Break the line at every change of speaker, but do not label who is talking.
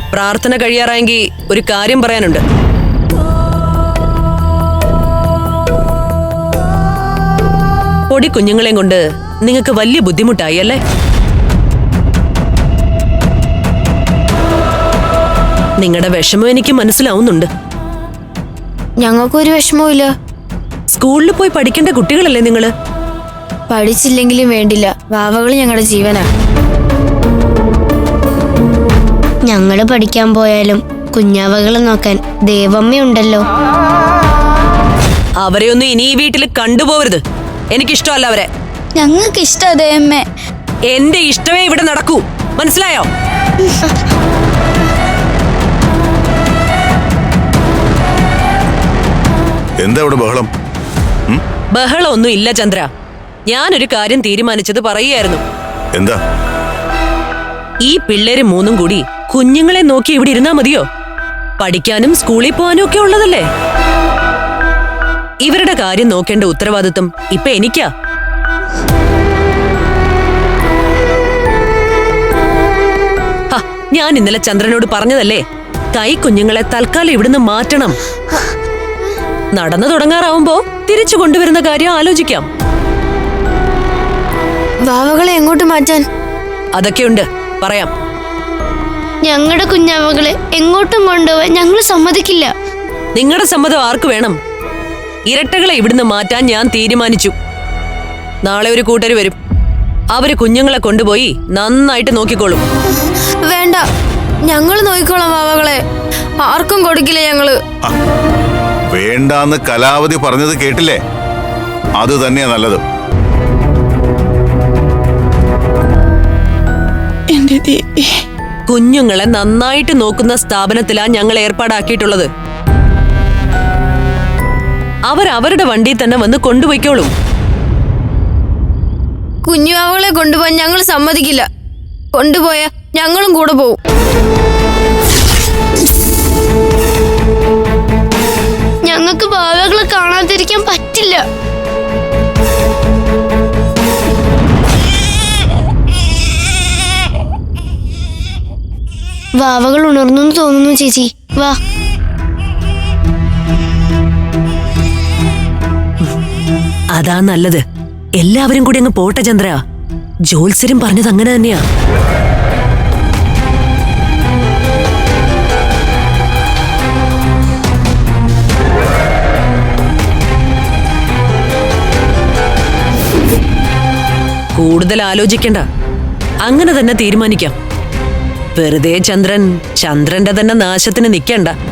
പ്രാർത്ഥന കഴിയാറായെങ്കിൽ ഒരു കാര്യം പറയാനുണ്ട്. പൊടി കുഞ്ഞുങ്ങളെയും കൊണ്ട് നിങ്ങൾക്ക് വലിയ ബുദ്ധിമുട്ടായി അല്ലേ? നിങ്ങളുടെ വിഷമം എനിക്ക് മനസ്സിലാവുന്നുണ്ട്.
ഞങ്ങൾക്കൊരു വിഷമവും ഇല്ല.
സ്കൂളിൽ പോയി പഠിക്കേണ്ട കുട്ടികളല്ലേ നിങ്ങള്?
പഠിച്ചില്ലെങ്കിലും വേണ്ടില്ല, വാവകൾ ഞങ്ങളുടെ ജീവനാ.
ഞങ്ങള് പഠിക്കാൻ പോയാലും കുഞ്ഞാവകളെ നോക്കാൻ ദേവമ്മയുണ്ടല്ലോ.
അവരെയൊന്നും ഇനി ഈ വീട്ടിൽ കണ്ടുപോകരുത്. എനിക്കിഷ്ടമല്ല അവരെ.
ഞങ്ങൾക്ക് ഇഷ്ടം ദേവമ്മേ.
എന്റെ ഇഷ്ടമേ ഇവിടെ നടക്കൂ, മനസ്സിലായോ?
എന്താ ഇവിടെ ബഹളം?
ബഹളമൊന്നും ഇല്ല ചന്ദ്ര. ഞാനൊരു കാര്യം തീരുമാനിച്ചത് പറയുകയായിരുന്നു.
എന്താ?
ഈ പിള്ളേര് മൂന്നും കൂടി കുഞ്ഞുങ്ങളെ നോക്കി ഇവിടെ ഇരുന്നാ മതിയോ? പഠിക്കാനും സ്കൂളിൽ പോകാനും ഒക്കെ ഉള്ളതല്ലേ. ഇവരുടെ കാര്യം നോക്കേണ്ട ഉത്തരവാദിത്വം ഇപ്പൊ എനിക്കാ. ഞാൻ ഇന്നലെ ചന്ദ്രനോട് പറഞ്ഞതല്ലേ, കൈ കുഞ്ഞുങ്ങളെ തൽക്കാലം ഇവിടുന്ന് മാറ്റണം. നടന്നു തുടങ്ങാറാവുമ്പോ തിരിച്ചു കൊണ്ടുവരുന്ന കാര്യം ആലോചിക്കാം.
വാവകളെ എങ്ങോട്ട് മാറ്റാൻ?
അതൊക്കെയുണ്ട്, പറയാം.
ഞങ്ങളുടെ കുഞ്ഞാവകളെ എങ്ങോട്ടും കൊണ്ടുപോവാൻ ഞങ്ങൾ സമ്മതിക്കില്ല.
നിങ്ങളുടെ സമ്മതം ആർക്ക് വേണം? ഇരട്ടകളെ ഇവിടുന്ന് മാറ്റാൻ ഞാൻ തീരുമാനിച്ചു. നാളെ ഒരു കൂട്ടര് വരും. അവര് കുഞ്ഞുങ്ങളെ കൊണ്ടുപോയി നന്നായിട്ട് നോക്കിക്കോളും.
വേണ്ട, ഞങ്ങൾ നോക്കിക്കോളാം വാവകളെ. ആർക്കും കൊടുക്കില്ല ഞങ്ങള്.
വേണ്ടാന്ന് കലാവധി പറഞ്ഞത് കേട്ടില്ലേ? അത് തന്നെയാ നല്ലത്.
കുഞ്ഞുങ്ങളെ നന്നായിട്ട് നോക്കുന്ന സ്ഥാപനത്തിലാ ഞങ്ങൾ ഏർപ്പാടാക്കിയിട്ടുള്ളത്. അവരവരുടെ വണ്ടിയിൽ തന്നെ വന്ന് കൊണ്ടുപോയിക്കോളും.
കുഞ്ഞുവാവകളെ കൊണ്ടുപോകാൻ ഞങ്ങൾ സമ്മതിക്കില്ല. കൊണ്ടുപോയാ ഞങ്ങളും കൂടെ പോവും.
ഞങ്ങൾക്ക് വാവകളെ കാണാതിരിക്കാൻ പറ്റില്ല. വാവകൾ ഉണർന്നു തോന്നുന്നു ചേച്ചി. വാ.
അതാ നല്ലത്. എല്ലാവരും കൂടി അങ്ങ് പോട്ടെ ചന്ദ്ര. ജോത്സ്യരും പറഞ്ഞത് അങ്ങനെ തന്നെയാ. കൂടുതൽ ആലോചിക്കണ്ട, അങ്ങനെ തന്നെ തീരുമാനിക്കാം. വെറുതെ ചന്ദ്രന്റെ തന്നെ നാശത്തിന് നിൽക്കണ്ട.